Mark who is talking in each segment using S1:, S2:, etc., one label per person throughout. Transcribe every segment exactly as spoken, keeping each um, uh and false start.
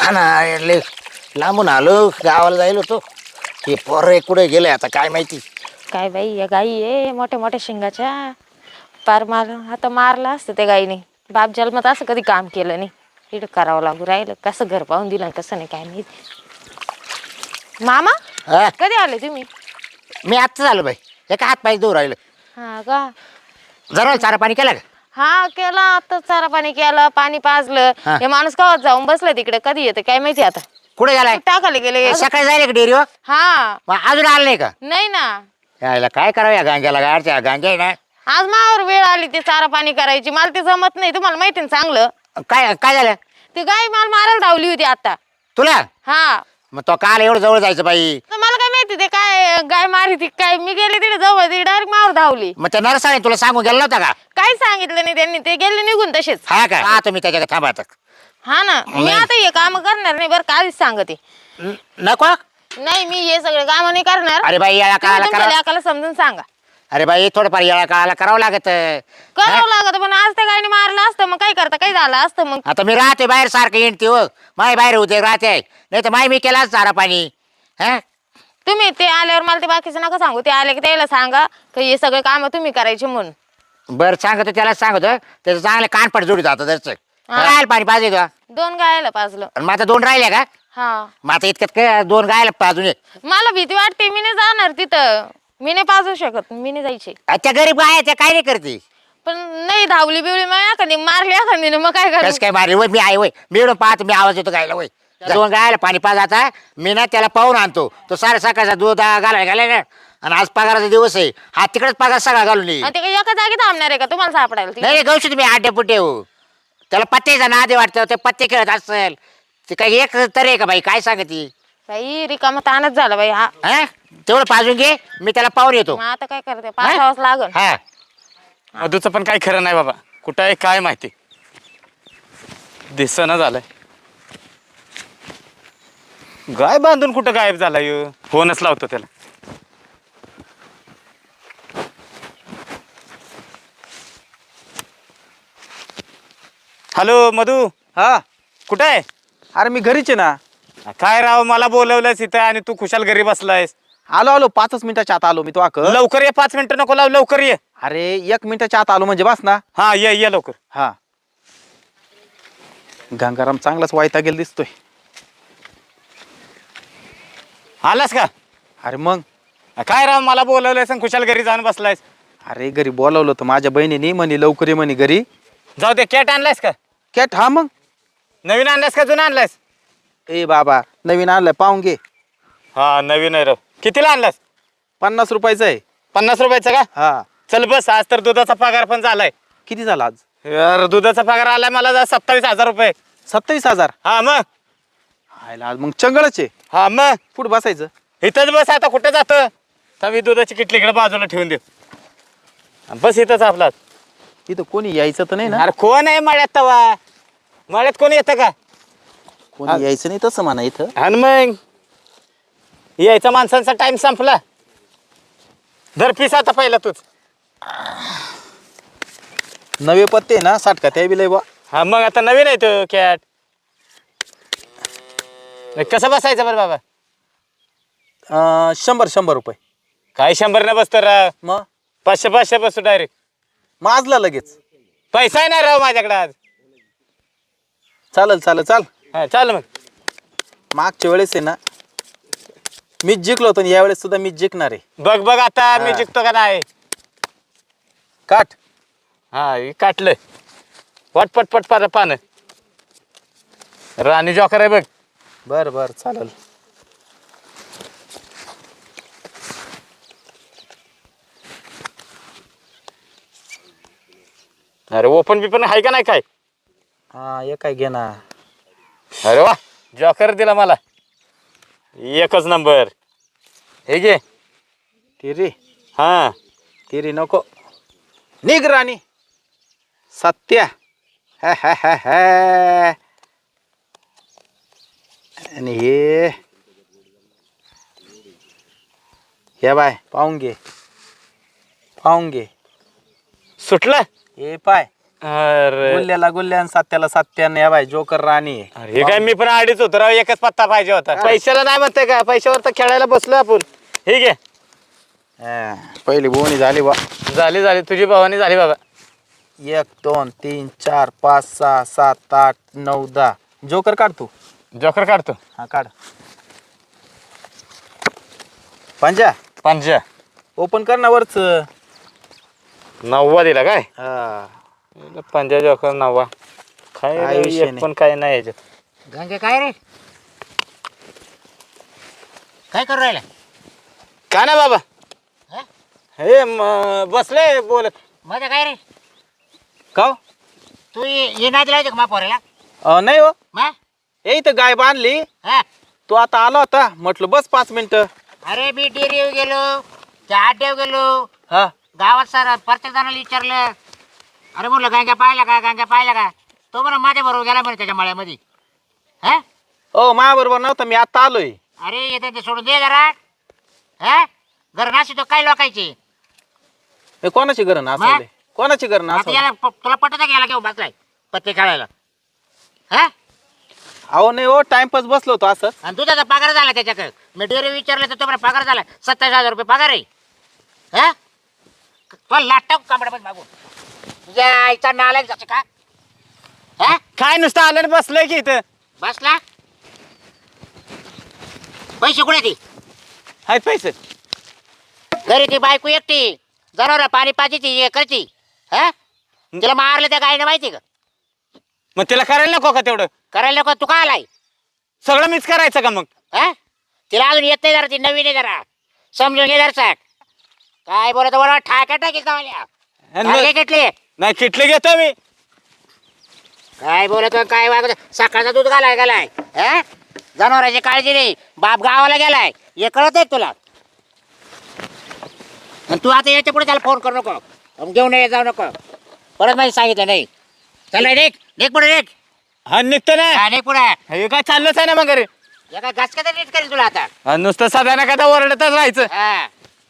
S1: हा ना लय लांबून आलो गावाला जायला होतो. हे पोरं कुठे गेले आता काय माहिती.
S2: काय बाई या गाई आहे मोठ्या मोठ्या शिंगाच्या. पार मार आता मारला असतं त्या गाईने. बाप जन्मात असं कधी काम केलं नाही. इकडं करावं लागू राहिलं. कसं घर पाहून दिलं कसं नाही काय माहिती. मामा
S1: हा
S2: कधी आले तुम्ही?
S1: मी आत्ताच आलो बाई. एका हात पाय दूर राहिलं.
S2: हा का
S1: जरा चारा पाणी केलं का?
S2: हा केला आता. चारा पाणी केलं पाणी पाजलं.
S1: हा.
S2: हे माणूस गावात जाऊन बसलं तिकडे. कधी येतं काय माहिती आता.
S1: कुठे गेलाय?
S2: टाकाले गेले.
S1: सकाळी जायला का डेअरीवर?
S2: हा
S1: मग अजून आलं नाही का?
S2: नाही ना.
S1: यायला काय करावं या गांग्याला गाडच्या गांग्या आहे ना.
S2: आज मावर वेळ आली ते चारा पाणी करायची. मला ते जमत नाही. तुम्हाला माहिती ना चांगलं.
S1: काय काय झालं?
S2: ती गाय मला मारायला धावली होती आता.
S1: तुला?
S2: हा
S1: मग तो काल एवढं जवळ जायचं बाई.
S2: तर मला काय माहिती ते काय गाय मारी ती काय. मी गेले तिथे जवळ ती डायरेक्ट मावर धावली.
S1: मग त्या नरसाने तुला सांगून गेला नव्हता का?
S2: काही सांगितलं नाही त्यांनी. ते गेले निघून तसेच.
S1: हा का? हा तुम्ही त्याच्या थांबा आता.
S2: हा ना मी आता हे काम करणार नाही बरं का आधीच सांगते.
S1: न- नको.
S2: नाही मी हे सगळे काम नाही करणार.
S1: अरे बाई याला
S2: तुम्ही
S1: काळाला
S2: तुमच्या
S1: करा.
S2: लेकाला समजून सांगा.
S1: अरे बाई थोडंफार याला काळाला करावं लागत.
S2: करावं लागत पण आज त्या गायने मारलं असतं मग काय करता काय झालं असतं मग.
S1: आता मी राहते बाहेर सारखं येणते हो. माय बाहेर होते राहते. नाही तर माय मी केला चारा पाणी. हा
S2: तुम्ही ते आल्यावर मला ते बाकीचं नका सांगू. ते आले की त्याला सांगा की हे सगळे काम तुम्ही करायचे म्हणून.
S1: बरं सांगतो त्याला सांगतो. त्याचं चांगलं कानपट जोडीत जातं त्याचं. राहायला पाणी पाहिजे का?
S2: दोन गायला पाजलं.
S1: आणि मग आता दोन राहिल्या का?
S2: हा
S1: मग आता इतक्यात काय दोन गायला पाजून ये.
S2: मला भीती वाटते. मी नाही जाणार तिथं. मी नाही पाजू शकत. मी नाही जायचे.
S1: त्या गरीब गाय त्या काय नाही करते.
S2: पण नाही धावली बिवली मग एखादी मारली एखादी मग काय
S1: कसं
S2: करू.
S1: काय मारली वय मी आहे वय. मी एवढं पाहतो मी आवाज येतो गायला वय. दोन गायला पाणी पाज आता. मी ना त्याला पाहून आणतो. तो सारे सकाळचा दूध घालायला घालाय ना. आणि आज पगाराचा दिवस आहे. हा तिकडेच पगार सगळा घालून ये.
S2: आणि ते काही एका जागी थांबणार आहे का तुम्हाला सापडायला ती?
S1: नाही नाही गौशी तुम्ही आड्या पुट्टे हो. त्याला पत्त्याचा नादे वाटतं. ते पत्ते खेळत असेल. ते काही एक तरी आहे का बाई काय सांगती.
S2: बाई रिकामा ताणच झाला बाई हा.
S1: हा तेवढं पाजून घे. मी त्याला पाहून येतो.
S2: मग आता काय करते पासावंच लागल.
S1: हा
S3: मधूचं पण काही खरं नाही बाबा. कुठं आहे काय माहिती. दिसना झालंय. गाय बांधून कुठं गायब झाला यो. फोनच लावतो त्याला. हॅलो मधू.
S4: हा
S3: कुठं आहे?
S4: अरे मी घरीच आहे ना.
S3: काय राव मला बोलवलंयस इथं आणि तू खुशाल घरी बसलायस.
S4: आलो आलो पाचच मिनिटाच्या आत आलो मी तो आक.
S3: लवकर ये. पाच मिनिटं नको लाव. लवकर ये.
S4: अरे एक मिनिटाच्या आत आलो म्हणजे बस ना.
S3: हा ये ये लवकर.
S4: हा गंगाराम चांगलाच वायता गेला दिसतोय.
S3: आलास का?
S4: अरे मग
S3: काय राव मला बोलवलंयस आणि खुशाल घरी जाऊन बसलायस.
S4: अरे घरी बोलावलं होतं माझ्या बहिणीने म्हणे लवकर ये म्हणे घरी.
S3: जाऊ दे. कॅट आणलायस का?
S4: कॅट हा मग.
S3: नवीन आणलायस का जुना आणलायस?
S4: ए बाबा नवीन आणलाय पाहून घे.
S3: हा नवीन आहे राव. कितीला आणलास?
S4: पन्नास रुपयाचं आहे.
S3: पन्नास रुपयाचा का?
S4: हा
S3: चल बस. आज तर दुधाचा पगार पण झालाय.
S4: किती झाला आज?
S3: यार दुधाचा पगार आलाय मला सत्तावीस हजार रुपये.
S4: सत्तावीस हजार
S3: हा मग.
S4: हायला आज मग चंगळच आहे.
S3: हा मग
S4: कुठं बसायचं?
S3: इथंच बस. आता कुठं जातं? तर मी दुधाची किटली इकडे बाजूला ठेवून दे. बस इथंच आपला.
S4: इथं कोणी यायचं तर नाही ना?
S3: अरे कोण आहे मळ्यात तवा? मळ्यात कोणी येतं का?
S4: कोणी यायचं नाही तसं म्हणा इथं.
S3: आणि मग यायचा माणसांचा टाइम संपला. धर पीस आता पहिला तूच.
S4: नवे पत्ते ना साठका त्या बी लय बा.
S3: हा मग आता नवीन आहे तो कॅट. कसं बसायचं बरं बाबा?
S4: अं, शंभर शंभर रुपये.
S3: काय शंभर न बसतो राव.
S4: मग
S3: पाचशे पाचशे बसतो डायरेक्ट.
S4: माजला लगेच.
S3: पैसा आहे ना राव माझ्याकडे आज.
S4: चालेल चालेल चाल.
S3: हा चाल मग.
S4: मागच्या वेळेस आहे ना मीच जिंकलो होतो या वेळेस सुद्धा मीच जिंकणार आहे.
S3: बघ बघ आता मी
S4: हा.
S3: जिंकतो का नाही.
S4: काट.
S3: हा हे काटलंय. पट पट पट पान पान. राणी जॉकर आहे बघ.
S4: बर बर चालेल.
S3: अरे ओपन बिपन आहे का नाही काय?
S4: हा एक काय घे ना.
S3: अरे वा जॉकर दिला मला. एकच नंबर. हे घे.
S4: तिरी
S3: हा
S4: तिरी नको. निघ राणी. सत्या. हा, हा, हा, हा. आणि हे हे बाय पाहून घे पाहून घे.
S3: सुटलं.
S4: हे पाय
S3: अरे
S4: गुल्ल्याला गुल्ल्यान सात्याला सात्यान या बाय जोकर राणी आहे.
S3: अरे, हे काय मी पण अडीच होतो राव, एकच पत्ता पाहिजे होता. पैशाला नाही म्हणते का, पैशावर तर खेळायला बसलो आपण. ठीक आहे,
S4: हा, पहिली बोनी झाली बा.
S3: झाली झाली तुझी भावानी झाली बाबा.
S4: एक दोन तीन चार पाच सहा सात आठ नऊ दहा. जोकर काढ तू.
S3: जोकर काढतो.
S4: हा काढ. पंजा
S3: पंजा
S4: ओपन कर ना वरच.
S3: नववा दिला काय?
S4: हा
S3: पंजा जोकर नववा. काय
S4: काय
S3: रे,
S4: विषय
S3: एक
S4: नाही.
S3: पण काय नाही याच्यात.
S1: गंगे काय रे काय करू राहिला?
S3: काय नाही बाबा.
S1: हा?
S3: हे म- बसले बोलत.
S1: माझं काय रे
S4: का हो?
S1: तू ये ये नाही दिला का मापोराला?
S4: अं, नाही हो,
S1: मा
S4: ए इथं गाय बांधली.
S1: हा
S4: तू आता आला होता, म्हटलं बस पाच मिनिटं.
S1: अरे मी डेअरीवर गेलो त्या आड्यावर गेलो
S4: हा
S1: गावात सर प्रत्येक जणाला विचारलं. अरे म्हटलं गांग्या पाहिला का गांग्या पाहिला का? तो म्हणा माझ्या बरोबर गेला म्हणे त्याच्या मळ्यामध्ये. हा
S4: ओ माझ्या बरोबर नव्हता, मी आता आलोय.
S1: अरे येते ते सोडून दे जरा. हा घर नाशी तो काय लोकायचे
S4: हे कोणाची घर नाचवले? कोणाची घर
S1: आता
S4: नाचवले?
S1: याला प- तुला पटत का याला घेऊन बसलाय पत्ते खेळायला? हा
S4: अहो नाही हो, टाइमपास बसलो होतो असं.
S1: आणि तुझा पगार झाला त्याच्याकडे. मी डेअरी विचारलं तर तुम्हाला पगार झाला सत्तावीस हजार रुपये पगार आहे. हा तुला लाटा कांबड्यामध्ये मागून तुझ्या आईचा नालायक जातो का? हा
S3: काय नुसतं आलं आणि बसलंय की इथं.
S1: बसला पैसे कुठे ती
S3: आहेत पैसे.
S1: घरी ती बायको एकटी जनावर पाणी पाजीची हे करती. हा तिला मारलं त्या गायनं माहिती का?
S3: मग तिला करायला नको का तेवढं?
S1: करायला नको तू का आलाय?
S3: सगळं मीच करायचं का मग?
S1: हा तिला अजून येत नाही जरा ती नवीन आहे जरा समजून घे जरा. काय बोलत बरोबर ठाक्या टाकी
S3: आणि मग-
S1: घेतले
S3: नाही किटले घेतो मी.
S1: काय बोलत काय वागत सकाळचा दूध घालाय गेलाय. हा जनावरांची काळजी नाही. बाप गावाला गेलाय हे कळत आहे तुला? आणि तू आता याच्या पुढे त्याला फोन करू नको. अन घेऊन ये जाऊ नको परत माहिती सांगितलं नाही. चल रे निघ पुढे निघ.
S3: हा निघतो ना.
S1: हा निघ पुढे.
S3: हे काय चाललंच आहे ना मग घरी.
S1: या काय घास का नीट करेल तुला आता.
S3: आणि नुसतं साधा कदा ओरडतच राहायचं.
S1: हा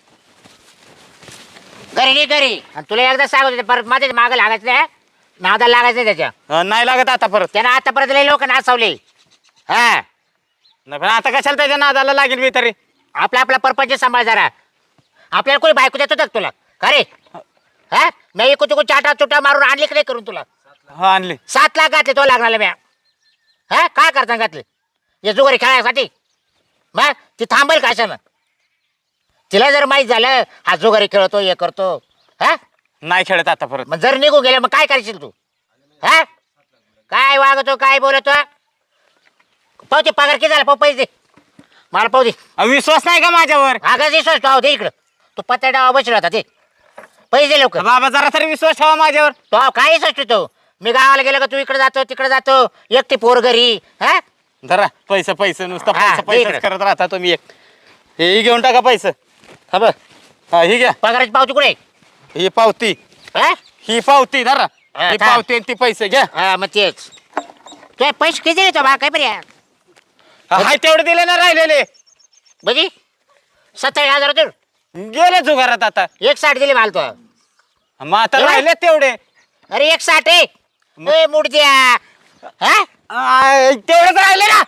S1: घरी निघ घरी. आणि तुला एकदा सांगत होते परत माझ्या मागं लागायचं नाही. नादाला लागायचं नाही त्याच्या.
S3: हा, नाही लागत आता परत.
S1: त्यानं आतापर्यंत लय लोक नाचवले. हा
S3: नाही पण आता कशाला त्याच्या नादाला लागेल मी तरी.
S1: आपला आपला परपंच सांभाळ जरा. आपल्याला कोणी बायको देतो का तुला? खरे हा मी इकू तिकू चाटा चुटा मारून आणली की नाही करून तुला?
S3: हा आणली.
S1: सात लाख घातले तो लागणार म्या. हा काय करता घातले हे जुगारी खेळायसाठी? मग ती थांबेल कशानं? तिला जर माहीत झालं हा जुगारी खेळतो हे करतो. हा
S3: नाही खेळत आता परत.
S1: मग जर निघून गेले मग काय करशील तू? हा काय वागतो काय बोलतो? पाहू ते पगार किती झाला पाहू पैसे दे मला पाहू दे.
S3: अ, विश्वास नाही का माझ्यावर?
S1: आगाच विश्वास पाहू दे इकडं. तू पत्ता डावा बसला होता ते पैसे दे लवकर.
S3: बाबा जरा तरी विश्वास ठेवा माझ्यावर.
S1: तो काय विश्वास तो? मी गावाला गेलो का तू इकडे जातो तिकडे जातो एकटी पोर घरी. हा
S3: जरा पैसे पैसे नुसतं
S1: हा,
S3: पैसे पैसेच
S1: इकडं.
S3: करत राहता तुम्ही. एक हे घेऊन टाका पैसे. हा बघ. हा ही घ्या.
S1: पगाराची पावती कुठे?
S3: ही पावती.
S1: हा
S3: ही पावती धरा.
S1: हा,
S3: ही
S1: थांब.
S3: पावती आणि ती पैसे घ्या.
S1: हा, मग तेच तू पैसे किती दिले तो बा काय बरे
S3: हाय तेवढे दिले ना राहिलेले.
S1: बजी सत्तावीस हजार होते.
S3: गेले जुगारात आता.
S1: एक साठ दिले माल तो.
S3: मग आता
S1: एवढे?
S3: राहिले तेवढे.
S1: अरे एक साठ आहे ए, मूड द्या. हा
S3: आ, तेवढेच राहिले ना.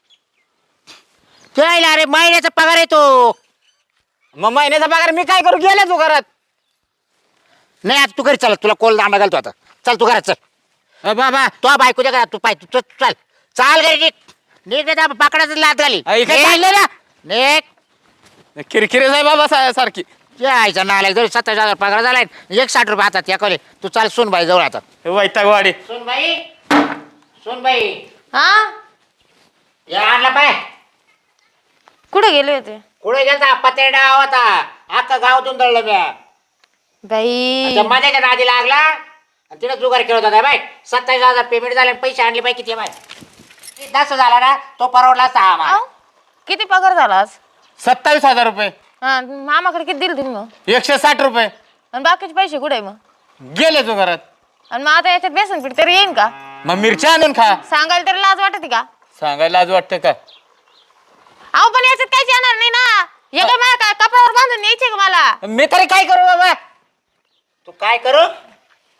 S1: त्याला अरे महिन्याचा पगार आहे तो.
S3: मग महिन्याचा पगार मी काय करू? गेले जुगारात.
S1: नाही आता तू घरी चल तुला कोल दांडा घालतो आता. चल तू घरात चल.
S3: अ, बाबा
S1: तो बायकोच्या घरात तू पाय तू चल चल चाल घरी निघ निघ नाही तर पाकडाच लात घाली.
S3: अ, इकडे
S1: निघ.
S3: चालले ना.
S1: निघ
S3: किरकिरे आहे बाबा सा- सारखी.
S1: यायचा नालायक जरी सत्तावीस हजार पगार झालाय एक साठ रुपये हातात या कॉले तू चाल सुनबाई जवळ आता.
S3: वैतागवाडी.
S1: सुनबाई सुनबाई
S2: हा
S1: या आणला पाय.
S2: कुठे गेले होते
S1: कुठे गेलता? पतेडा होता अख्खा गावातून दळलं म्या.
S2: बाई?
S1: त्या माझ्याच्या नादी लागला आणि तिने जुगार खेळत होता बाय. सत्तावीस हजार पेमेंट झाले पैसे आणले बाई किती बाय. दस झाला ना तो परवडला सहा आम्हाला.
S2: अहो, किती पगार झाला आज?
S3: सत्तावीस हजार रुपये.
S2: हा मामाकडे किती दिले तुम्ही मग?
S3: एकशे साठ रुपये
S2: आणि बाकीचे पैसे कुठे आहे मग?
S3: गेले जुगारात.
S2: आणि मग आता याच्यात बेसन पीठ तरी येईन का?
S3: मग मिरच्या आणून खा.
S2: सांगायला तरी लाज वाटते का?
S3: सांगायला आज वाटतं का?
S2: अहो पण याच्यात काहीच येणार नाही ना. हे काय मला काय कपड्यावर बांधून न्यायचे का मला?
S3: मी तरी काय करू बाबा?
S1: तू काय करू?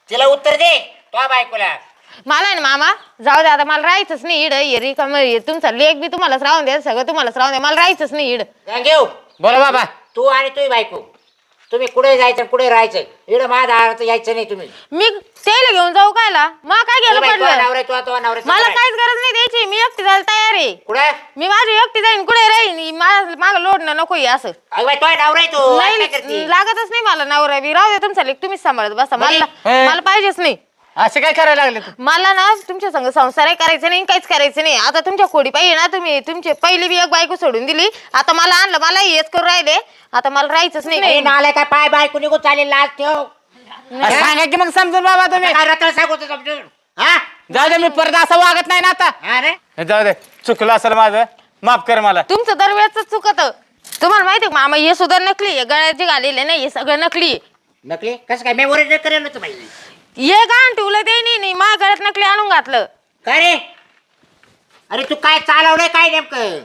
S1: तिला उत्तर दे तो बायकोला.
S2: मला आहे ना मामा जाऊ दे आता, मला राहायचंच नाही इड ये रिकाम तुमचा लेख बी तुम्हालाच राहून द्या, सगळं तुम्हालाच राहून द्या, मला राहायचंच नाही इड.
S1: घेऊ
S3: बोला बाबा.
S1: तू आणि तुझी बायको तुम्ही कुठे जायचं कुठे राहायचं, इकडे माझ्या दारात यायचं नाही तुम्ही.
S2: मी त्याला घेऊन जाऊ कायला, मग काय गेलं पडलं,
S1: नवरा तो तो नवरा
S2: मला काहीच गरज नाही द्यायची, मी एकटी जायला तयार आहे.
S1: कुठे
S2: मी माझी एकटी जाईन कुठे राहीन, माग लोडणं नको असं.
S1: अगं तो नवरा आहे तू काय
S2: नाही
S1: करते?
S2: लागतच नाही मला नवरा बी, राहू दे तुमचा लेख तुम्हीच सांभाळत बसा, मला
S3: हे.
S2: मला पाहिजेच नाही.
S3: असे काय करायला लागले तू?
S2: मला ना तुमच्या संग संसारही करायचं नाही, काहीच करायचं नाही. आता तुमच्या खोडी पाहिजे ना, तुम्ही तुमची पहिली बी एक बायको सोडून दिली, आता मला आणलं, मला हेच करून राहिले, आता मला राहायचंच
S1: नाही
S2: नाही.
S1: नालाय काय पाय बायको निघून चालेल लाज ठेव.
S3: अरे सांगा की मग समजून बाबा तुम्ही.
S1: काय रत्न सांगतो समजून हा
S3: जाऊ दे, मी परत असं वागत नाही ना आता.
S1: हा रे
S3: जाऊ दे, चुकलं असेल माझं, माफ कर मला.
S2: तुमचं दरवेळच चुकत. तुम्हाला माहिती आहे मामा, हे सुद्धा नकली आहे, गळ्याची घालेले नाही, हे सगळं नकली आहे.
S1: नकली कसं काय मी ओरिजिनल करेल होतं बाई.
S2: हे गाण ठेवलं ते नाही, माझ्या गळ्यात नकली आणून घातलं.
S1: काय रे अरे तू काय चालवलंय काय नेमकं?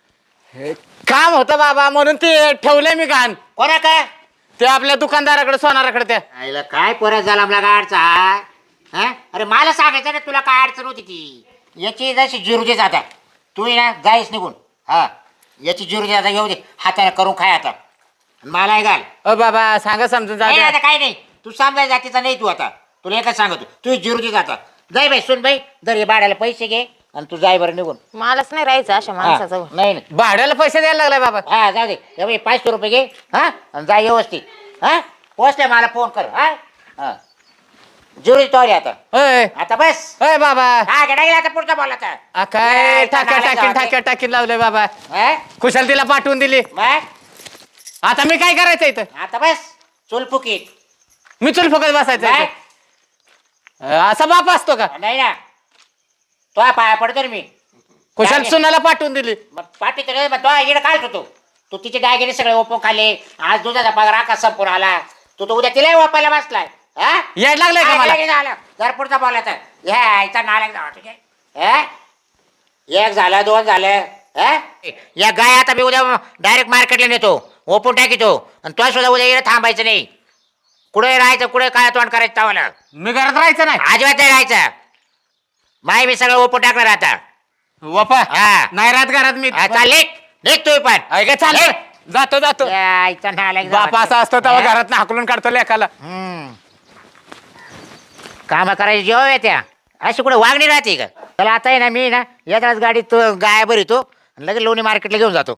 S3: काम होतं बाबा म्हणून ते ठेवलंय मी घाण.
S1: कोणा काय
S3: ते आपल्या दुकानदाराकडे सोनाराकडे त्या.
S1: आईला काय परत झाला आपला गाडचा हा? अरे मला सांगायचं ना तुला काय अडचण होती ती. याची जशी जिरू आता तू ये ना जाईस निघून. हा याची जिरू आता घेऊ दे, हाताने करून खाय आता मला आहे घाल.
S3: अ बाबा सांगा समजून
S1: नाही
S3: जा.
S1: आता काही नाही, तू समजाय जातीचा नाही तू आता, तुला एकच सांगतो तू जिरू जाता जाय बाई. सुन बाई दर हे भाड्याला पैसे घे आणि तू जाय बरं निघून.
S2: मलाच नाही राहायचं अशा
S1: हा,
S2: माणसाचं.
S1: नाही नाही
S3: भाड्याला पैसे द्यायला लागलाय बाबा.
S1: हा जाऊ दे हे बाई पाचशे रुपये घे हा आणि जाय व्यवस्थित. हा पोचले मला फोन कर. हा हा जुरी तोरी आता
S3: अय
S1: आता बस.
S3: अय बाबा.
S1: हा गेला आता पुढचा बोला आता.
S3: आ, काय
S1: नाही,
S3: टाक्या
S1: चांगला
S3: टाकीन
S1: जाऊ दे.
S3: टाक्या टाकीन लावलंय बाबा.
S1: हा?
S3: कुशाल तिला पाठवून दिली.
S1: मग
S3: आता मी काय करायचं इथं?
S1: आता बस चुल फुकीत.
S3: मी चुल फुकत बसायचं
S1: काय?
S3: इथं? अ, असा बाप असतो का?
S1: नाही ना तो पाया पडतो रे मी.
S3: कुशाल
S1: काय?
S3: सुनाला पाठवून दिली.
S1: मग पाठी तर मग तो इकडे काढतो तू तू तिचे डायगेने सगळे ओपो खाल्ले. आज दुधाचा पगार आकाश संपून आला, तू तो उद्या तिलाही वापायला बसलाय. हा
S3: याड लागलंय का
S1: हा,
S3: मला?
S1: लगेच आला. जर पुढचा बोला तर ह्या आईचा नालायक जावा ठीक आहे. हा? एक झालं दोन झालं. हा? या गाय आता मी उद्या डायरेक्ट मार्केटला नेतो, ओपून टाकीतो आणि तो सुद्धा उद्या इकडे थांबायचं नाही. कुठे राहायचं कुठे काय तोंड करायचं तावाला
S3: मी घरात राहायचं नाही.
S1: अजिबात नाही राहायचं. माय मी सगळं ओपून टाकणार आता.
S3: वपा
S1: हा.
S3: नाही राहत घरात मी.
S1: हा, चाल निघ निघ तू पण.
S3: ऐका चाल
S1: निघ.
S3: जातो जातो.
S1: या आईचा नालायक जावा.
S3: बाप असा असतो तेव्हा
S1: हा?
S3: घरात हाकलून काढतो लेकाला.
S1: हम्म. कामं करायची जेव्हा येत्या अशी कुठे वागणी राहते का? चला आता आहे ना मी ना येताच गाडीत गाय भरितो लगेच लोणी मार्केटला घेऊन जातो.